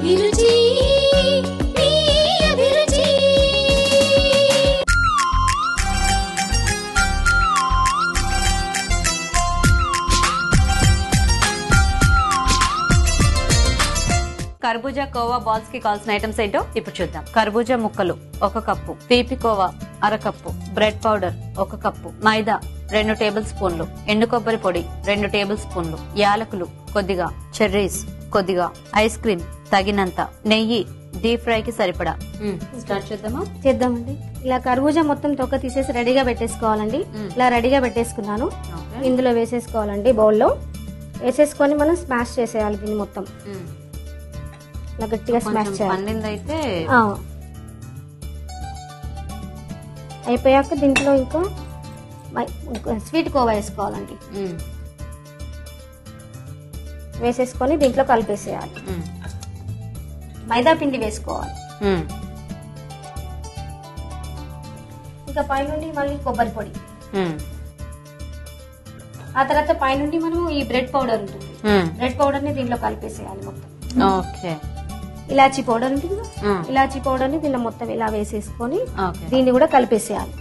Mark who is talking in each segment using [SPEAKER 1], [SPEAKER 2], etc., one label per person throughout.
[SPEAKER 1] అభిరుచి మీ అభిరుచి.
[SPEAKER 2] కర్బూజా కోవా బాల్స్ కి కావాల్సిన ఐటమ్స్ ఏంటో ఇప్పుడు చూద్దాం. కర్బూజా ముక్కలు 1 కప్పు, తీపి కోవా 1/2 cup, bread powder 1 cup, maida 2 table స్పూన్లు, ఎండు కొబ్బరి పొడి 2 టేబుల్ స్పూన్లు, యాలకులు కొద్దిగా, చెర్రీస్ కొద్దిగా, ఐస్ క్రీమ్ తగినంత, నెయ్యి డీప్ ఫ్రై కి సరిపడా. స్టార్ట్
[SPEAKER 3] చేద్దామండి. ఇలా కర్బూజా మొత్తం తొక్క తీసేసి రెడీగా పెట్టేసుకోవాలండి. ఇలా రెడీగా పెట్టేసుకున్నాను. ఇందులో వేసేసుకోవాలండి. బౌల్లో వేసేసుకొని మనం స్మాష్ చేసేయాలి దీన్ని మొత్తం. ఇలా గట్టిగా స్మాష్ చేయాలి. అయిపోయాక దీంట్లో ఇంకా స్వీట్ కోవా వేసుకోవాలండి. వేసేసుకొని దీంట్లో కలిపేసేయాలి. మైదా పిండి వేసుకోవాలి. ఇంకా పైనుండి మళ్ళీ కొబ్బరి పొడి. ఆ తర్వాత పైనుండి మనం ఈ బ్రెడ్ పౌడర్ ఉంటుంది. బ్రెడ్ పౌడర్ ని దీంట్లో కలిపేసేయాలి మొత్తం. ఇలాచీ పౌడర్ ఉంటుంది. ఇలాచీ పౌడర్ ని దీనిలో మొత్తం ఇలా వేసేసుకొని దీన్ని కూడా కలిపేసేయాలి.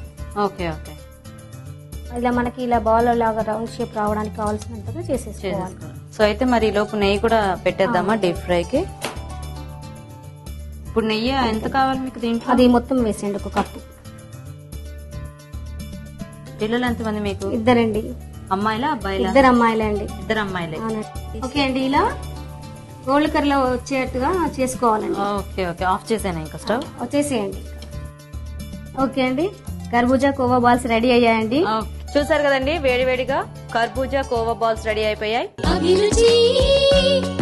[SPEAKER 3] ఇలా మనకి ఇలా బాల్ లాగా రౌండ్ షేప్ రావడానికి కావాల్సినంతగా చేసేసుకోవాలి.
[SPEAKER 2] సో అయితే మరి లోపు నెయ్యి కూడా పెట్టేద్దామా డీప్ ఫ్రై కి? ఇప్పుడు నెయ్యి ఎంత కావాలి మీకు దీంట్లో?
[SPEAKER 3] అది మొత్తం వేసేయండి 1 కప్పు.
[SPEAKER 2] పిల్లలు ఎంతమంది మీకు?
[SPEAKER 3] 2 అండి.
[SPEAKER 2] అమ్మాయిలా అబ్బాయిలా?
[SPEAKER 3] 2 అమ్మాయిలే అండి.
[SPEAKER 2] 2 అమ్మాయిలే.
[SPEAKER 3] ఓకే అండి. ఇలా గోల్డ్ కలర్ లో వచ్చేట్టుగా చేసుకోవాలండి.
[SPEAKER 2] Okay okay. ఆఫ్ చేసేనా ఇంకా స్టవ్?
[SPEAKER 3] వచ్చేసేయండి. ఓకే అండి. కర్బూజా కోవా బాల్స్ రెడీ అయ్యాయండి.
[SPEAKER 2] చూసారు కదండి, వేడివేడిగా కర్బూజా కోవా బాల్స్ రెడీ అయిపోయాయి.
[SPEAKER 1] అభిరుచి